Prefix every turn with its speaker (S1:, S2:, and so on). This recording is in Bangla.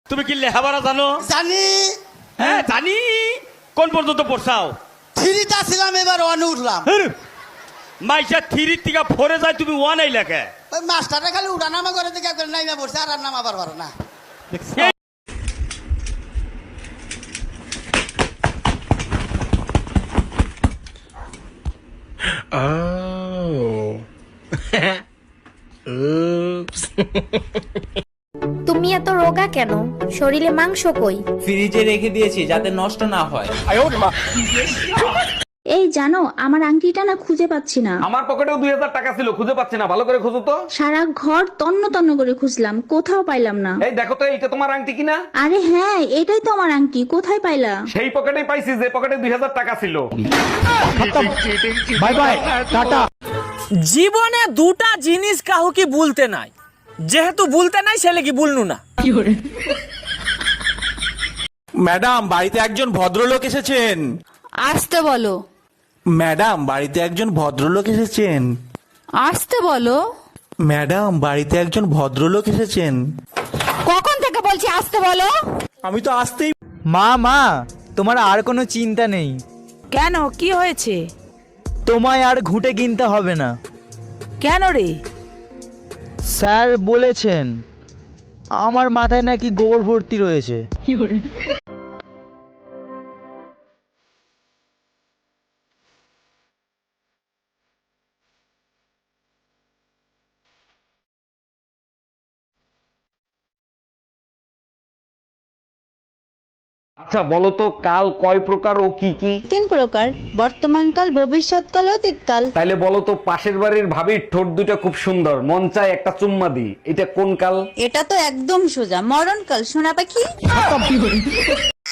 S1: তুমি কি লেখাপড়া জানো?
S2: জানি।
S1: হ্যাঁ জানি। কোন পর্যন্ত পড়ছাও?
S2: থ্রিটা ছিলাম, এবার ওয়ানে উঠলাম।
S1: মাইসা থ্রি থেকে ফোরে যায়, তুমি ওয়ান এই লেখে।
S2: ওই মাস্টারটা খালি উঠানামা করে দেখে নাইমা পড়ছে, আর নামা পারবার না।
S3: তুমি এত রোগা কেন? শরীরে মাংস কই?
S4: ফ্রিজে রেখে দিয়েছি যাতে নষ্ট না হয়।
S5: এই জানো, আমার আংটিটা না খুঁজে পাচ্ছি না।
S6: আমার পকেটেও 2000 টাকা ছিল, খুঁজে পাচ্ছি না, ভালো করে খুঁজো তো।
S5: সারা ঘর তন্ন তন্ন করে খুঁজলাম, কোথাও পাইলাম না।
S6: এই দেখো তো, এইটা তোমার আংটি কিনা?
S5: আরে হ্যাঁ, এটাই তো আমার আংটি, কোথায় পাইলা?
S6: সেই পকেটেই পাইছি যে পকেটে 2000 টাকা ছিল।
S7: Bye bye, tata.
S8: জীবনে দুটা জিনিস কাউকে বলতে নাই, যেহেতু বলতে নাই সে কি বলনু না।
S7: ম্যাডাম, বাড়িতে একজন ভদ্রলোক এসেছেন।
S9: আসতে বলো।
S7: ম্যাডাম, বাড়িতে একজন ভদ্রলোক এসেছেন।
S9: আসতে বলো।
S7: ম্যাডাম, বাড়িতে একজন ভদ্রলোক এসেছেন।
S9: কখন থেকে বলছি আসতে বলো?
S7: আমি তো আসতেই।
S10: মা, তোমার আর কোনো চিন্তা নেই।
S9: কেন, কি হয়েছে?
S10: তোমায় আর ঘুঁটে কিনতে হবে না।
S9: কেন রে?
S10: স্যার বলেছেন আমার মাথায় নাকি গোবর ভর্তি রয়েছে।
S6: আচ্ছা বলো তো, কাল কয় প্রকার ও কি কি?
S5: 3 প্রকার, বর্তমানকাল, ভবিষ্যৎকাল, অতীতকাল।
S6: তাইলে বলো তো, পাশের বাড়ির ভাবির ঠোঁট দুটা খুব সুন্দর, মন চায় একটা চুম্মা দি, এটা কোন কাল?
S5: এটা তো একদম সোজা, মরণকাল, সোনা পাখি।